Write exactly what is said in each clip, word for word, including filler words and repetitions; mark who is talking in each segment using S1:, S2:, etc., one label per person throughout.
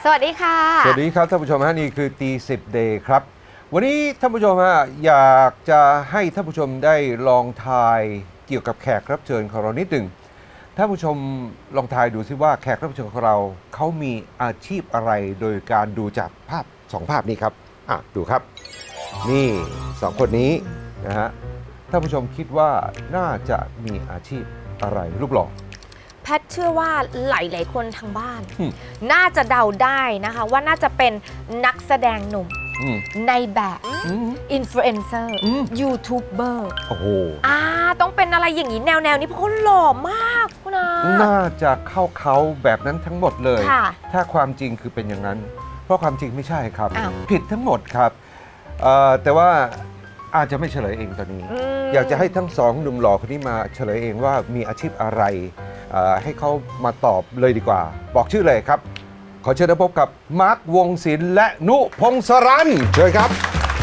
S1: สวัสดีค่ะ
S2: สวัสดีครับท่านผู้ชมฮะนี่คือตีสิบเดย์ครับวันนี้ท่านผู้ชมฮะอยากจะให้ท่านผู้ชมได้ลองทายเกี่ยวกับแขกรับเชิญของเรานิดหนึ่งท่านผู้ชมลองทายดูซิว่าแขกรับเชิญของเราเขามีอาชีพอะไรโดยการดูจากภาพสองภาพนี้ครับอ่ะดูครับนี่สองคนนี้นะฮะท่านผู้ชมคิดว่าน่าจะมีอาชีพอะไรรูปหล่อ
S1: แพทเชื่อว่าหลายๆคนทางบ้านน่าจะเดาได้นะคะว่าน่าจะเป็นนักแสดงหนุ่มในแบบอินฟลูเอนเซอร์ยูทูบเบอร์
S2: โอ้โห
S1: อ่าต้องเป็นอะไรอย่างนี้แนวๆนี้เพราะเขาหล่อมากคุณอา
S2: น่าจะเข้าเขาแบบนั้นทั้งหมดเลยถ้าความจริงคือเป็นอย่างนั้นเพราะความจริงไม่ใช่ครับผิดทั้งหมดครับแต่ว่าอาจจะไม่เฉลยเองตอนนี้อยากจะให้ทั้งสองหนุ่มหล่อคนนี้มาเฉลยเองว่ามีอาชีพอะไรให้เขามาตอบเลยดีกว่าบอกชื่อเลยครับขอเชิญพบกับมาร์ควงศิลป์และนุพงศรันเชิญครับ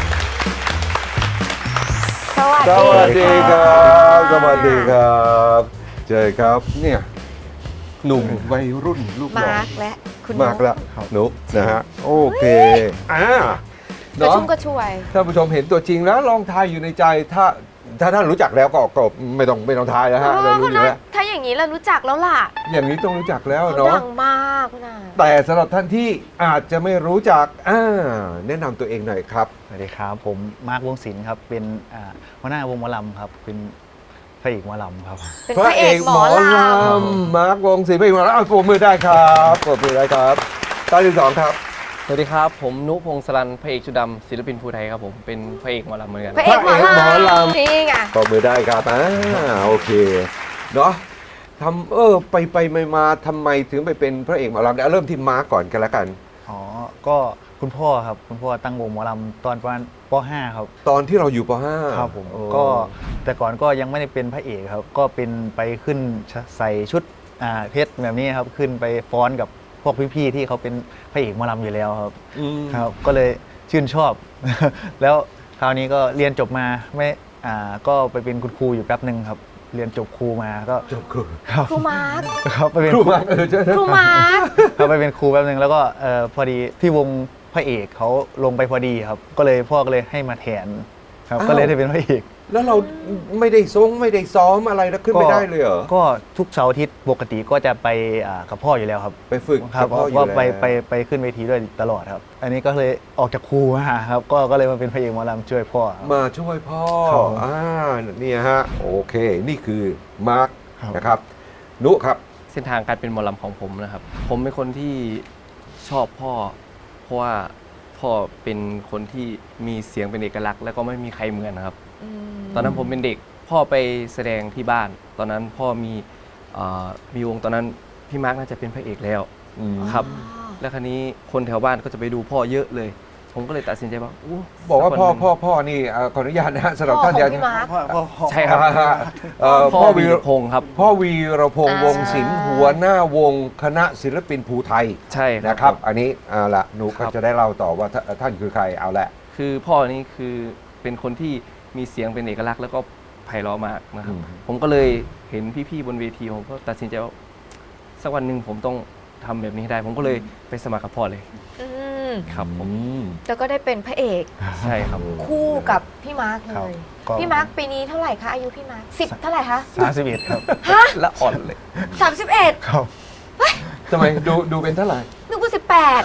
S1: สวัส
S2: สวัสดีครับสวัสดีครับเจอครับเนี่ยหนุ่มวัยรุ่นลูกหล่อ
S1: มาร์กและคุณ
S2: มาร์กและนุนะฮะโอเคอ่าก
S1: ระชุ่มกระชวย
S2: ท่านผู้ชมเห็นตัวจริงแล้วลองทายอยู่ในใจถ้าถ้าท่านรู้จักแล้วก็ก็ไม่ต้องไม่ต้องทายแล้วฮะเรารู้อยู่แล้ว
S1: ถ้าอย่างนี้เรารู้จักแล้วล่ะ
S2: อย่างนี้ต้องรู้จักแล้วเนาะ
S1: ดังมากนะ
S2: แต่สำหรับท่านที่อาจจะไม่รู้จักอ่าแนะนำตัวเองหน่อยครับ
S3: สวัสดีครับผมมาร์ควงศิลป์ครับเป็นหัวหน้าวงหมอลำครับเป็นพระเอกหมอลำครับ
S1: เป็นพระเอกหมอล
S2: ำมาร์ควงศิลป์พระเอกหมอลำเอาปรบมือได้ครับปรบมือได้ครับตอนที่สองครับ
S4: สวัสดีครับผมนุพงศรันพระเอกชุดดำศิลปินภูไทยครับผมเป็นพระเอกหมอลำเหมือนกัน
S1: พระเอกหมอลำนี่ไง
S2: ปรบมือได้ครับอ่าโอเคเนาะทำเออไปไปมาทำไมถึงไปเป็นพระเอกหมอลำเริ่มที่มาร์กก่อนกันแล้วกัน
S3: อ๋อก็คุณพ่อครับคุณพ่อตั้งวงหมอลำตอนประมาณป .ห้า ครับ
S2: ตอนที่เราอยู่ป .ห้า
S3: ครับผมก็แต่ก่อนก็ยังไม่ได้เป็นพระเอกครับก็เป็นไปขึ้นใส่ชุดเพชรแบบนี้ครับขึ้นไปฟ้อนกับพวกพี่ๆที่เขาเป็นพระเอกหมอลำอยู่แล้วครับครับก็เลยชื่นชอบแล้วคราวนี้ก็เรียนจบมาไม่อ่าก็ไปเป็นคุณครูอยู่แป๊บหนึ่งครับเรียนจบครูมาก็
S2: จบครู
S1: ครูมาร์ค
S3: ครับไปเป็น
S2: ครูมาร์คเออใช่
S1: ครูมาร์ค
S3: เขาไปเป็นครูแป๊บหนึ่งแล้วก็เออพอดีที่วงพระเอกเขาลงไปพอดีครับก็เลยพ่อก็เลยให้มาแทนครับก็เลยได้เป็นพระเอก
S2: แล้วเราไม่ได้ซ้อมไม่ได้ซ้อมอะไรแล้วขึ้นไม่ได้เลยเหรอ
S3: ก็ทุกเสาร์อาทิตย์ปกติก็จะไปกับพ่ออยู่แล้วครับ
S2: ไปฝึก
S3: ครับว่าไปไปไปขึ้นเวทีด้วยตลอดครับอันนี้ก็เลยออกจากครูมาครับก็ก็เลยมาเป็นพระเอกหมอลำช่วยพ่อ
S2: มาช่วยพ่ออ่านี่ฮะโอเคนี่คือมาร์คนะครับนุครับ
S4: เส้นทางการเป็นหมอลำของผมนะครับผมเป็นคนที่ชอบพ่อเพราะว่าพ่อเป็นคนที่มีเสียงเป็นเอกลักษณ์แล้วก็ไม่มีใครเหมือนนะครับตอนนั้นผมเป็นเด็กพ่อไปแสดงที่บ้านตอนนั้นพ่อมีมีวงตอนนั้นพี่มาร์กน่าจะเป็นพระเอกแล้วครับแล้วคราวนี้คนแถวบ้านก็จะไปดูพ่อเยอะเลยผมก็เลยตัดสินใจว่า
S2: บอกว่าพ่อพ่อพ่อนี่ขออนุญาตนะฮะสำหรับท่าน
S1: ยัง
S4: ใช่ครับพ่อวีรพงศ์ครับ
S2: พ่อวีรพงศ์วงศิลป์หัวหน้าวงคณะศิลปินภูไทย
S4: ใช่
S2: นะครับอันนี้เอาละหนูก็จะได้เล่าต่อว่าท่านคือใครเอาละ
S4: คือพ่อนี่คือเป็นคนที่มีเสียงเป็นเอกลักษณ์แล้วก็ไพเราะมากนะครับผมก็เลยเห็นพี่ๆบนเวทีผมก็ตัดสินใจว่าสักวันหนึ่งผมต้องทำแบบนี้ได้ผมก็เลยไปสมัครกับพ่อเลยครับผม
S1: แล้วก็ได้เป็นพระเอก
S4: ใช่ครับ
S1: คู่กับพี่มาร์คเลยพี่มาร์คปีนี้เท่าไหร่คะอายุพี่มาร์คสิบเท่าไหร่คะ
S3: สามสิบเอ็ดครับ
S1: ฮะ
S4: ละอ่อนเลย
S1: สามสิบเอ็ด
S3: ครับ
S2: ทำไมดูดูเป็นเท่าไหร่
S1: นึกว่าสิบแปด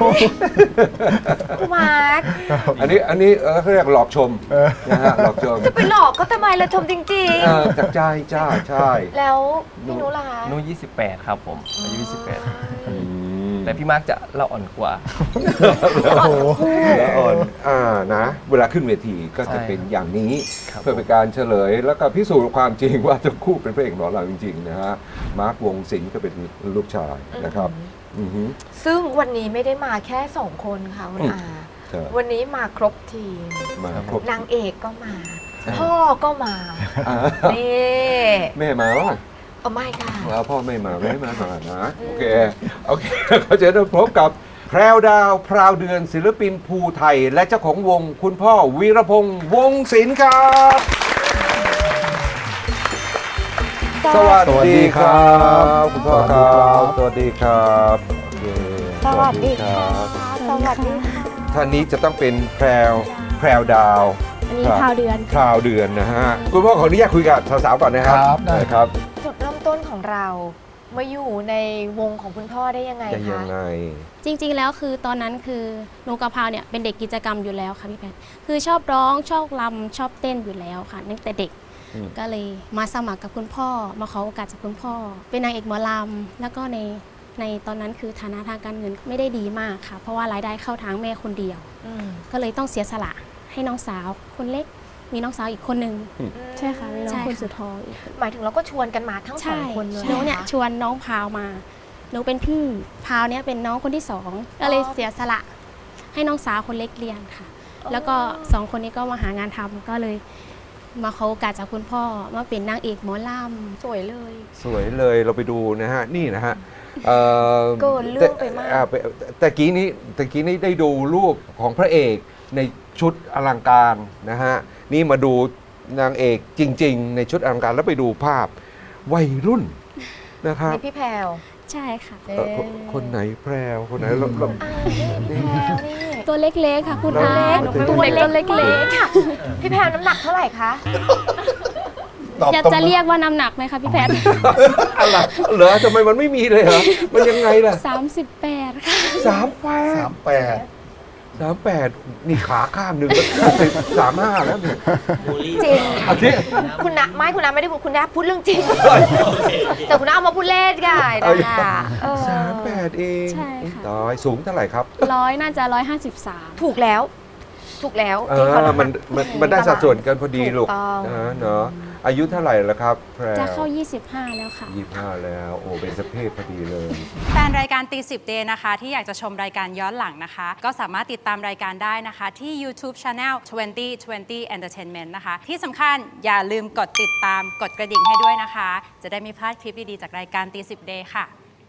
S1: ครูมาร์ค
S2: อันนี้อันนี้เขาเรียกหลอกชมนะฮะหลอกชม
S1: จะไปหลอกก็ทำไมเราชมจริง
S2: ๆจากใจจ้าใช่
S1: แล้วพี่นุล่ะ
S4: นุยี่สิบแปดครับผมอายุยี่สิบแปดแต่พี่มาร์กจะละอ่อนกว่า
S2: ละอ่อนอ่านะเวลาขึ้นเวทีก็จะเป็นอย่างนี้เพื่อเป็นการเฉลยแล้วก็พิสูจน์ความจริงว่าทั้งคู่เป็นพระเอกหมอลำจริงๆนะฮะมาร์ควงศิลป์ก็เป็นลูกชายนะครับ
S1: ซึ่งวันนี้ไม่ได้มาแค่สองคนค่ะคุณอาวันนี้มาครบทีมนางเอกก็มาพ่อก็มานี่
S2: แม่มาว่ะ
S1: เอาไม่ค่ะ
S2: แล้วพ่อไม่มาไม่มามานะโอเคโอเคเขาจะได้พบกับแพรวดาวพราวเดือนศิลปินภูไทยและเจ้าของวงคุณพ่อวีรพงษ์วงศิลป์ครับสวัสดีครับคุณพ่อครับสวัสดีครับ
S1: สสวัสดีค่ะ
S2: รับ
S1: สวัสดีค่ะ
S2: ท่านนี้จะต้องเป็นแพรวแพรวดาว
S5: อันนี้
S2: ครับ
S5: ข่าวเดือน
S2: คราวเดือนนะฮะคุณพ่อขออนุญาตคุยกับสาวๆก่อนนะครับ
S6: ครับได้
S2: ครับ
S1: จุดเริ่มต้นของเรามาอยู่ในวงของคุณพ่อได้ยังไง
S2: จะยั
S1: คะ
S2: งไง
S5: จริงๆ แล้วคือตอนนั้นคือหนูกับพาวเนี่ยเป็นเด็กกิจกรรมอยู่แล้วค่ะพี่แพทย์คือชอบร้องชอบรำชอบเต้นอยู่แล้วค่ะตั้งแต่เด็ก
S2: อืม
S5: ก็เลยมาสมัครกับคุณพ่อ มาขอโอกาสจากคุณพ่อ เป็นนางเอกหมอลำแล้วก็ในในตอนนั้นคือฐานะทางการเงินไม่ได้ดีมากค่ะ เพราะว่ารายได้เข้าทางแม่คนเดียว
S1: อืม
S5: ก็เลยต้องเสียสละให้น้องสาวคนเล็ก มีน้องสาวอีกคนนึง
S6: ใช่ค่ะมีน้อง
S5: ใช่
S6: คน
S5: ค่ะ
S6: สุดท้องอีก
S1: หมายถึงเราก็ชวนกันมาทั้งสอ
S5: ใช่
S1: งคนเลย
S5: หนูเนี่ย
S1: หรอคะ
S5: ชวนน้องพาวมา หนูเป็นพี่ พาวเนี่ยเป็นน้องคนที่สอง ก็เลยเสียสละให้น้องสาวคนเล็กเรียนค่ะ แล้วก็สองคนนี้ก็มาหางานทำก็เลยมาขอโอกาสจากคุณพ่อมาเป็นนางเอกหมอล
S1: สวยเลย
S2: สวยเลยเราไปดูนะฮะ นี่นะฮะเอ่อ
S1: เกินเรื่องไปมาก
S2: อ่ไปแต่กี้นี้แต่กี้นี้ได้ดูรูปของพระเอกในชุดอลังการนะฮะ นี่มาดูนางเอกจริง ๆ ในชุดอลังการแล้วไปดูภาพวัยรุ่นนะครับ
S1: นี่พี่แพรว
S5: ำใช่ค่ะ
S1: เอ๊ะ
S2: เอ่อคนคนไหนแพรวคนไหนเราเรา
S1: อ่านี่พี่แพรวนี่
S5: ตัวเล็กๆค่ะคุณ
S2: เรา
S5: อา
S2: เรา
S5: ตัวเล็กตัวเล็ก
S1: ค่ะ พี่แพรวน้ำหนักเท่าไหร่คะ
S6: ตอบ
S5: ๆจะ
S6: ตรง
S5: จะเรียกว่าน้ำหนักไหมคะพี่แพทย์
S2: อะไรเหรอทำไมมันไม่มีเลยเหรอมันยังไงล่ะ
S5: สามสิบแปดค่ะ
S2: สามแปด
S6: สามแปด
S2: สามแปดนี่ขาข้างหนึ่งก็สามห้าแล้วเนี่ย
S1: จริง
S2: อาทิ
S1: คุณนะไม่คุณนะไม่ได้พูดคุณนะพูดเรื่องจริง แต่คุณนะเอามาพูดเล่นกันนะคะเออ
S2: สามแปดเอง
S5: ใช่ค่ะ
S2: ตายสูงเท่าไหร่ครับ
S5: ร้อยน่าจะร้อยห้าสิบสาม
S1: ถูกแล้ว ถูกแล้ว
S2: เอ
S1: ที่เขา
S2: อ
S1: ทำ
S2: มันมันมันได้สัดส่วนกันพอดีลูก
S1: ถูกต้อง
S2: นะเนาะอายุเท่าไหร่แล้วครับแพร
S5: จะเข้ายี่สิบห้าแล้วค่ะ
S2: ยี่สิบห้าแล้ว โอ้เป็นสเพศพอดีเลย
S7: แฟนรายการตีสิบเดย์นะคะ ที่อยากจะชมรายการย้อนหลังนะคะ ก็สามารถติดตามรายการได้นะคะ ที่ YouTube Channel ยี่สิบ ยี่สิบ Entertainment นะคะ ที่สำคัญอย่าลืมกดติดตามกดกระดิ่งให้ด้วยนะคะ จะได้ไม่พลาดคลิปดี ๆ จากรายการตีสิบเดย์ค่ะ